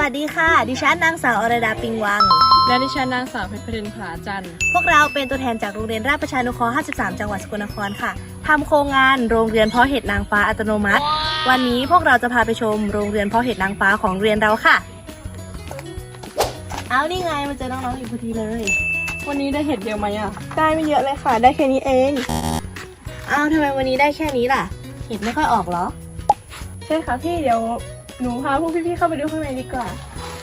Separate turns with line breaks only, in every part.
วัสดีค่ะดิฉันนางสาวอรดาปิงวัง
และดิฉันนางสาวเพชรพรินผาจันทร์
พวกเราเป็นตัวแทนจากโรงเรียนราชประชานุเคราะห์53จังหวัดสกลนครค่ะทำโครงงานโรงเรียนเพาะเห็ดนางฟ้าอัตโนมัติวันนี้พวกเราจะพาไปชมโรงเรียนเพาะเห็ดนางฟ้าของโรงเรียนเราค่ะเอานี่ไงมาเจอน้องๆอยู่พอดีเลย
วันนี้ได้เห็ดเยอะไหมอ่ะ
ได้ไม่เยอะเลยค่ะ ได้แค่นี้เอง
เอาทำไมวันนี้ได้แค่นี้ล่ะเห็ดไม่ค่อยออกเหรอ
ใช่ค่ะพี่เดี๋ยวหนูพาพวกพี่ๆเข้าไปดูข้างในดีกว่า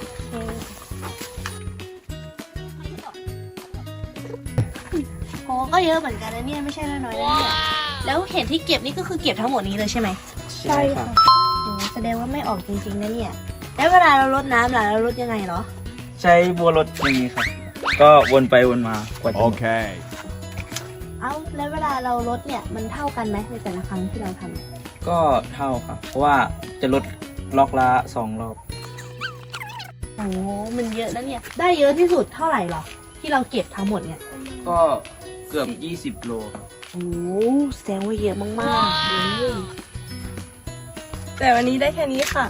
โหก็เยอะเหมือนกันนะเนี่ยไม่ใช่น้อยๆนะเนี่ยแล้วเห็ดที่เก็บนี่ก็คือเก็บทั้งหมดนี้เลยใช่ไหม
ใช่ค่ะ
โหแสดงว่าไม่ออกจริงๆนะเนี่ยแล้วเวลาเรารดน้ำล่ะเรารดยังไงเหรอ
ใช้บัวรดอย่างนี้ครับ ก็วนไปวนมากว่าจะหมด
Okay.
เอาแล้วเวลาเราลดเนี่ยมันเท่ากันไหมในแต่ละครั้งที่เราทำ
ก็เท่าครับ เพราะว่าจะลดล็อกละ2 รอบ
โอ้โหมันเยอะนะเนี่ยได้เยอะที่สุดเท่าไหร่หรอที่เราเก็บทั้งหมดเนี่ย
ก็เกือบ20 โลครับ
โอ้โหแสดงว่าเยอะมากๆเลย
แต่วันนี้ได้แค่นี้ค่ะ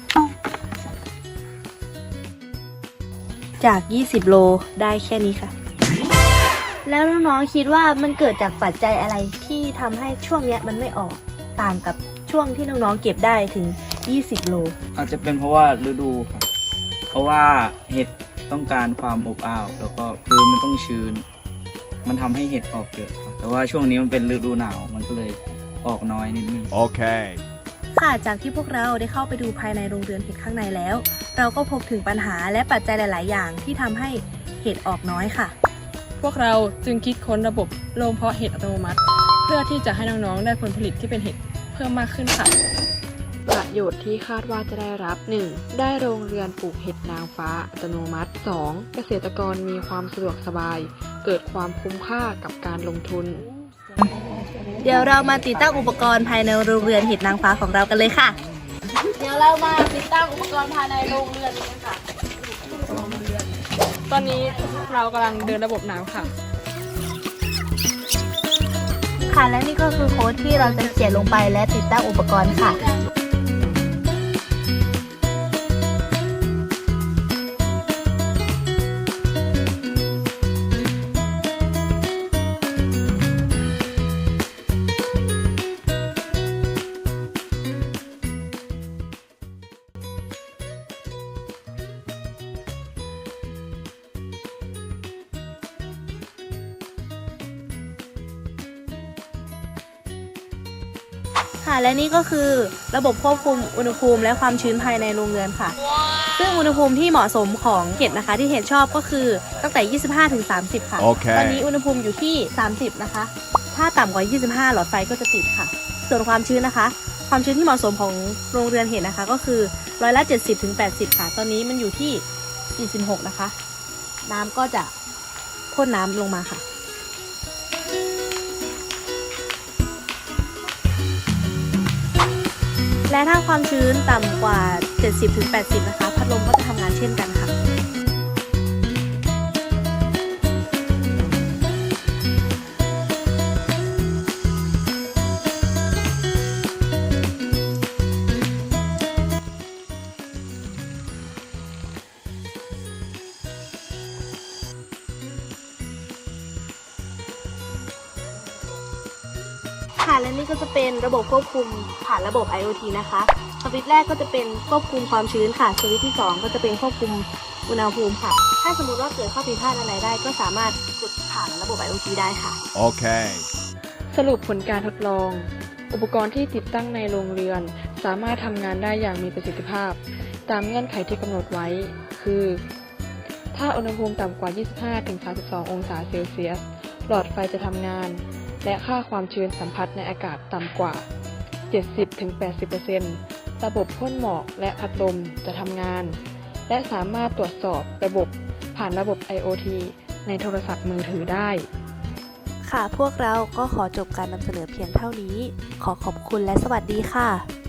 จาก20 โลได้แค่นี้ค่ะ แล้วน้องๆคิดว่ามันเกิดจากปัจจัยอะไรที่ทำให้ช่วงเนี้ยมันไม่ออกต่างกับช่วงที่น้องๆเก็บได้ถึง20 โล
อาจจะเป็นเพราะว่าฤดูครับ เพราะว่าเห็ดต้องการความอบอ้าว แล้วก็พื้นมันต้องชื้น มันทำให้เห็ดออกเยอะครับแต่ว่าช่วงนี้มันเป็นฤดูหนาว มันก็เลยออกน้อยนิดนึง
Okay.
ค่ะจากที่พวกเราได้เข้าไปดูภายในโรงเรือนเห็ดข้างในแล้ว เราก็พบถึงปัญหาและปัจจัยหลาย ๆ อย่างที่ทำให้เห็ดออกน้อยค่ะ
พวกเราจึงคิดค้นระบบโรงเพาะเห็ดอัตโนมัติ เพื่อที่จะให้น้องๆได้ผลผลิตที่เป็นเห็ดเพิ่มมากขึ้นค่ะ
ประโยชน์ที่คาดว่าจะได้รับ 1. ได้โรงเรือนปลูกเห็ดนางฟ้าอัตโนมัติ 2. เกษตรกรมีความสะดวกสบาย เกิดความคุ้มค่ากับการลงทุน
เดี๋ยวเรามาติดตั้งอุปกรณ์ภายในโรงเรือนเห็ดนางฟ้าของเรากันเลยค่ะ เดี๋ยวเรามาติดตั้งอุปกรณ์ภายในโรงเรือนกันค่ะ
ตอนนี้เรากำลังเดินระบบน้ำค่ะ
ค่ะและนี่ก็คือโค้ดที่เราจะเขียนลงไปและติดตั้งอุปกรณ์ค่ะ ค่ะและนี่ก็คือระบบควบคุมอุณหภูมิและความชื้นภายในโรงเรือนค่ะ ซึ่งอุณหภูมิที่เหมาะสมของเห็ดนะคะที่เห็ดชอบก็คือตั้งแต่ 25 ถึง 30 ค่ะ
โอเค
ตอนนี้อุณหภูมิอยู่ที่ 30 นะคะ ถ้าต่ำกว่า 25 หลอดไฟก็จะติดค่ะ ส่วนความชื้นนะคะ ความชื้นที่เหมาะสมของโรงเรือนเห็ดนะคะก็คือ70 ถึง 80 ค่ะ ตอนนี้มันอยู่ที่ 46 นะคะ น้ำก็จะพ่นน้ำลงมาค่ะ และถ้าความชื้นต่ำกว่า 70-80 นะคะ พัดลมก็จะทำงานเช่นกันค่ะ ค่ะและนี่ก็จะเป็นระบบควบคุมผ่านระบบ IoT นะคะสวิตช์แรกก็จะเป็นควบคุมความชื้นค่ะสวิตช์ที่ 2 ก็จะเป็นควบคุมอุณหภูมิค่ะ ถ้าสมมติว่าเกิดข้อผิดพลาดอะไรได้ ก็สามารถกดผ่านระบบ IoT ได้ค่ะ
Okay.
สรุปผลการทดลอง อุปกรณ์ที่ติดตั้งในโรงเรือน สามารถทำงานได้อย่างมีประสิทธิภาพ ตามเงื่อนไขที่กำหนดไว้ คือ ถ้าอุณหภูมิต่ำกว่า 25-32 องศาเซลเซียส หลอดไฟจะทำงาน และค่าความชื้นสัมผัสในอากาศต่ำกว่า 70-80% ระบบพ่นหมอกและพัดลมจะทำงาน และสามารถตรวจสอบระบบผ่านระบบ IoT ในโทรศัพท์มือถือได้
ค่ะพวกเราก็ขอจบการนำเสนอเพียงเท่านี้ ขอขอบคุณและสวัสดีค่ะ